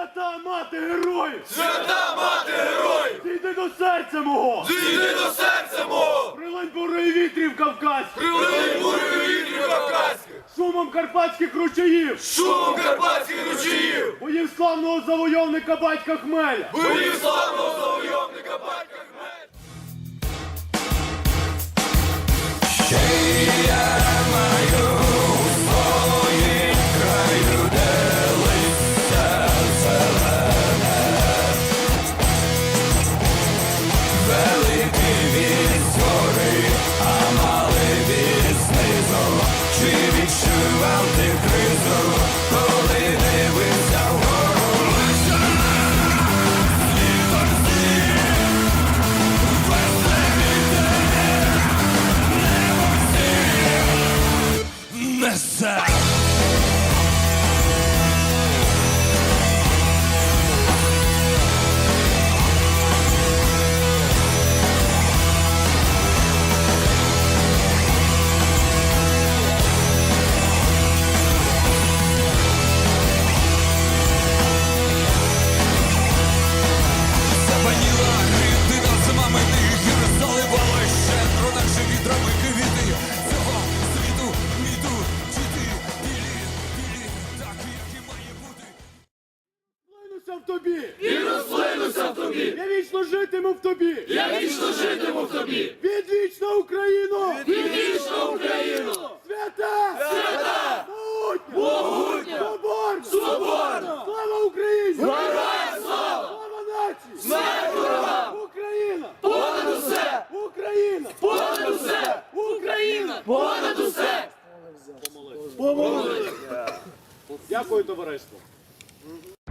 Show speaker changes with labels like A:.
A: Свята мати героїв!
B: Свята мати героїв!
A: Зійди до серця мого!
B: Зійди до серця мого!
A: Прилинь бурою вітрів кавказьких!
B: Прилинь бурою вітрів кавказьких!
A: Шумом карпатських ручаїв!
B: Шумом карпатських ручаїв!
A: Боїв славного завойовника батька Хмеля!
B: Боїв славного завойовника батька Хмеля!
A: В тобі!
B: І розплинуся в тобі!
A: Я вічно житиму в тобі!
B: Я вічно житиму в тобі!
A: Відвічна Україну!
B: Відвічна Україну!
A: Свята!
B: Свята!
A: Могутня!
B: Могутня!
A: Соборна!
B: Соборна!
A: Слава Україні!
B: Героям слава!
A: Слава нації!
B: Смерть ворогам!
A: Україна!
B: Понад усе!
A: Україна!
B: Понад усе!
A: Україна!
B: Понад усе!
A: Помолитися! Дякую, товариство!